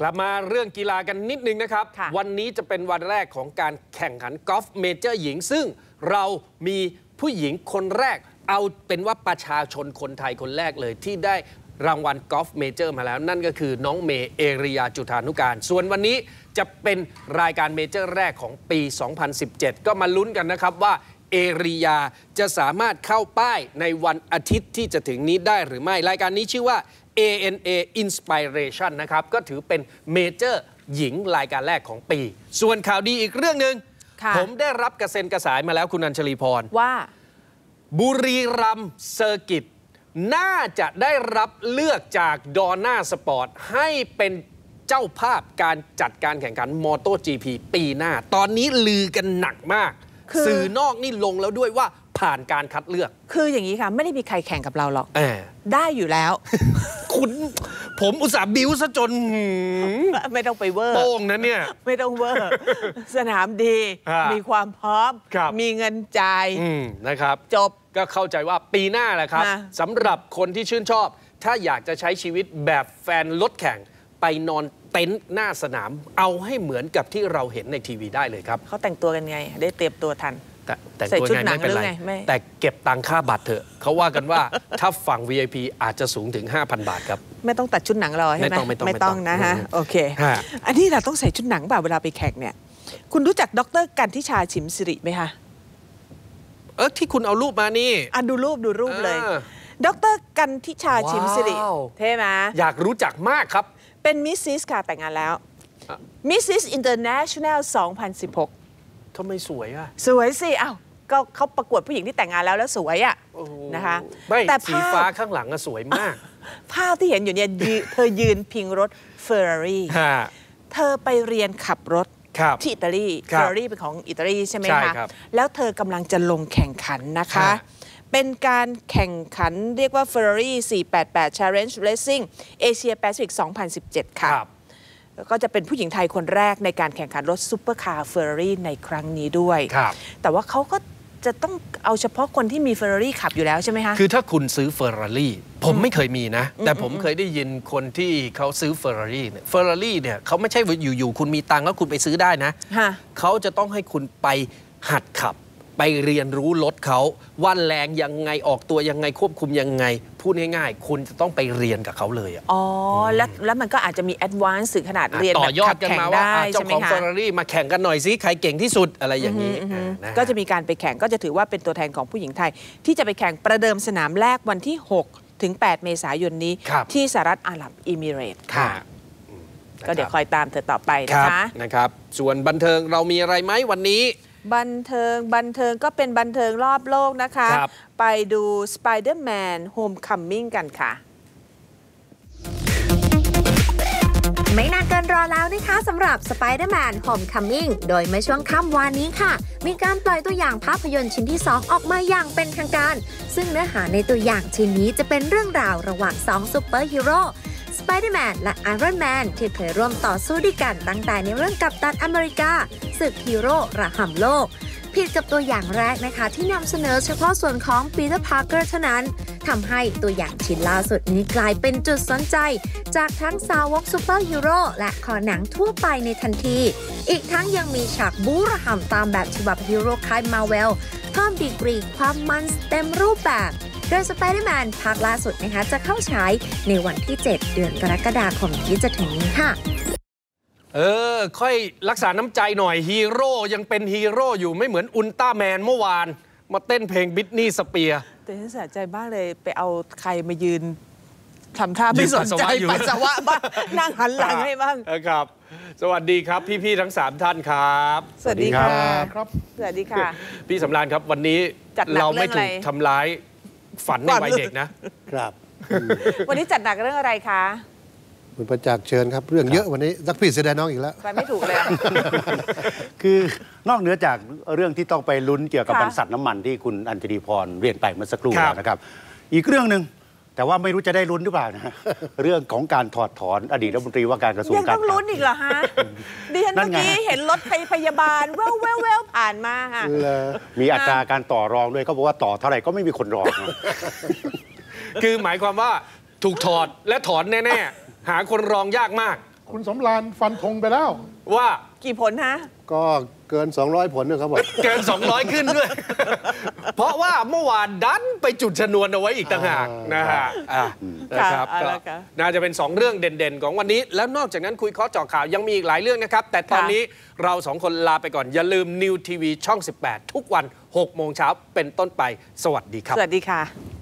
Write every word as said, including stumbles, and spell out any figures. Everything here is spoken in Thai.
กลับมาเรื่องกีฬากันนิดนึงนะครับวันนี้จะเป็นวันแรกของการแข่งขันกอล์ฟเมเจอร์หญิงซึ่งเรามีผู้หญิงคนแรกเอาเป็นว่าประชาชนคนไทยคนแรกเลยที่ได้รางวัลกอล์ฟเมเจอร์มาแล้วนั่นก็คือน้องเมย์เอริยาจุฑานุการส่วนวันนี้จะเป็นรายการเมเจอร์แรกของปี สองพันสิบเจ็ด ก็มาลุ้นกันนะครับว่าเอริยาจะสามารถเข้าป้ายในวันอาทิตย์ที่จะถึงนี้ได้หรือไม่รายการนี้ชื่อว่า เอ เอ็น เอ Inspiration นะครับก็ถือเป็นเมเจอร์หญิงรายการแรกของปีส่วนข่าวดีอีกเรื่องหนึ่งผมได้รับกระเซ็นกระสายมาแล้วคุณอัญชลีพรว่าบุรีรัมย์เซอร์กิตน่าจะได้รับเลือกจากดอน่าสปอร์ตให้เป็นเจ้าภาพการจัดการแข่งขันมอโต จี พี ปีหน้าตอนนี้ลือกันหนักมากสื่อนอกนี่ลงแล้วด้วยว่าผ่านการคัดเลือกคืออย่างนี้ค่ะไม่ได้มีใครแข่งกับเราหรอกได้อยู่แล้วคุณผมอุตส่าห์บิ้วซะจนไม่ต้องไปเวอร์โป้งนะเนี่ยไม่ต้องเวอร์สนามดีมีความพร้อมมีเงินจ่ายนะครับจบก็เข้าใจว่าปีหน้าแหละครับสำหรับคนที่ชื่นชอบถ้าอยากจะใช้ชีวิตแบบแฟนรถแข่งไปนอนเต็นท์หน้าสนามเอาให้เหมือนกับที่เราเห็นในทีวีได้เลยครับเขาแต่งตัวกันไงได้เตรียมตัวทันแต่งตัวไงไม่เป็นไรแต่เก็บตังค่าบัตรเถอะเขาว่ากันว่าถ้าฝั่ง วี ไอ พี อาจจะสูงถึง ห้าพัน บาทครับไม่ต้องตัดชุดหนังรอใช่ไหมไม่ต้องไม่ต้องไม่ต้องนะฮะโอเคอันนี้เราต้องใส่ชุดหนังเปล่าเวลาไปแข่งเนี่ยคุณรู้จักดร.กันทิชาฉิมสิริไหมคะเออที่คุณเอารูปมานี่อ่ะดูรูปดูรูปเลยดร.กันทิชาฉิมสิริเท่ไหมอยากรู้จักมากครับเป็นมิสซิสค่ะแต่งงานแล้วมิสซิสอินเตอร์เนชั่นแนลสองพันสิบหกทำไมสวยอ่ะสวยสิอ้าวก็เขาประกวดผู้หญิงที่แต่งงานแล้วแล้วสวยอ่ะนะคะแต่สีฟ้าข้างหลังสวยมากภาพที่เห็นอยู่เนี่ยเธอยืนพิงรถเฟอร์รารี่เธอไปเรียนขับรถที่อิตาลีเฟอร์รารี่เป็นของอิตาลีใช่ไหมคะแล้วเธอกำลังจะลงแข่งขันนะคะเป็นการแข่งขันเรียกว่า Ferrari สี่แปดแปด Challenge Racing Asia Pacific สองพันสิบเจ็ดค่ะก็จะเป็นผู้หญิงไทยคนแรกในการแข่งขันรถซุปเปอร์คาร์ Ferrari ในครั้งนี้ด้วยแต่ว่าเขาก็จะต้องเอาเฉพาะคนที่มี Ferrari ขับอยู่แล้วใช่ไหมคะคือถ้าคุณซื้อ Ferrari ผมไม่เคยมีนะแต่ผมเคยได้ยินคนที่เขาซื้อ Ferrari เนี่ย Ferrari เนี่ยเขาไม่ใช่อยู่ๆคุณมีตังค์แล้วคุณไปซื้อได้นะเขาจะต้องให้คุณไปหัดขับไปเรียนรู้รถเขาว่าแรงยังไงออกตัวยังไงควบคุมยังไงพูดง่ายๆคุณจะต้องไปเรียนกับเขาเลยอ๋อแล้วแล้วมันก็อาจจะมีแอดวานซ์ถึงขนาดเรียนแบบขับแข่งได้เจ้าของ Ferrari มาแข่งกันหน่อยสิใครเก่งที่สุดอะไรอย่างนี้ก็จะมีการไปแข่งก็จะถือว่าเป็นตัวแทนของผู้หญิงไทยที่จะไปแข่งประเดิมสนามแรกวันที่หกถึงแปดเมษายนนี้ที่สหรัฐอาหรับเอมิเรตส์ค่ะก็เดี๋ยวคอยตามเธอต่อไปนะคะนะครับส่วนบันเทิงเรามีอะไรไหมวันนี้บันเทิงบันเทิงก็เป็นบันเทิงรอบโลกนะคะไปดู Spider-Man Homecoming กันค่ะไม่นานเกินรอแล้วนะคะสำหรับ Spider-Man Homecoming โดยเมื่อช่วงค่ำวานนี้ค่ะมีการปล่อยตัวอย่างภาพยนตร์ชิ้นที่สองออกมาอย่างเป็นทางการซึ่งเนื้อหาในตัวอย่างชิ้นนี้จะเป็นเรื่องราวระหว่างสองซูเปอร์ฮีโร่Spider-Man และ Iron Man ที่เคยร่วมต่อสู้ด้วยกันตั้งแต่ในเรื่องกัปตันอเมริกาศึกฮีโร่ระห่ำโลกผิดกับตัวอย่างแรกนะคะที่นำเสนอเฉพาะส่วนของ Peter Parker เท่านั้นทำให้ตัวอย่างชิ้นล่าสุดนี้กลายเป็นจุดสนใจจากทั้งสาวกซูเปอร์ฮีโร่และคอหนังทั่วไปในทันทีอีกทั้งยังมีฉากบู๊ระห่ำตามแบบฉบับฮีโร่ค่ายมาร์เวลเพิ่มดีกรีความมันเต็มรูปแบบโดย Spider-Man ภาคล่าสุดนะคะจะเข้าฉายในวันที่เจ็ดเดือนกรกฎาคมที่จะถึงนี้ค่ะเออค่อยรักษาน้ำใจหน่อยฮีโร่ยังเป็นฮีโร่อยู่ไม่เหมือนอุลตร้าแมนเมื่อวานมาเต้นเพลงบิทนี่สเปียร์แต่ฉันเสียใจมากเลยไปเอาใครมายืนทำท่าไม่สนใจปัสสาวะบ้างนั่งหันหลังให้บ้างครับสวัสดีครับพี่ๆทั้งสามท่านครับสวัสดีค่ะครับสวัสดีค่ะพี่สำราญครับวันนี้เราไม่ถูกทำร้ายฝันในวัยเด็กนะครับวันนี้จัดหนักเรื่องอะไรคะคุณประจักษ์เชิญครับเรื่องเยอะวันนี้นักพี่เสียดายน้องอีกแล้วไปไม่ถูกเลยคือนอกเหนือจากเรื่องที่ต้องไปลุ้นเกี่ยวกับบรรษัทน้ำมันที่คุณอัญชลีพรเรียนไปเมื่อสักครู่นะครับอีกเรื่องหนึ่งแต่ว่าไม่รู้จะได้ลุ้นหรือเปล่านะเรื่องของการถอดถอนอดีตรัฐมนตรีว่าการกระทรวงการคลังยังต้องลุ้นอีกเหรอฮะดิฉันเมื่อกี้เห็นรถพยาบาลแววแววแววผ่านมาค่ะมีอัตราการต่อรองด้วยเขาบอกว่าต่อเท่าไหร่ก็ไม่มีคนรองคือหมายความว่าถูกถอดและถอนแน่ๆหาคนรองยากมากคุณสำราญฟันธงไปแล้วว่ากี่ผลฮะก็เกิน สองร้อย ผลนะครับผมเกิน สองร้อย ขึ้นด้วย เพราะว่าเมื่อวานดันไปจุดชนวนเอาไว้อีกต่างหากนะฮะนะครับก็น่าจะเป็นสองเรื่องเด่นๆของวันนี้ แล้วนอกจากนั้นคุยข้อเจาะข่าวยังมีอีกหลายเรื่องนะครับแต่ตอนนี้เราสองคนลาไปก่อนอย่าลืม นิว ที วี ช่อง สิบแปด ทุกวัน หกโมงเช้าเป็นต้นไปสวัสดีครับสวัสดีค่ะ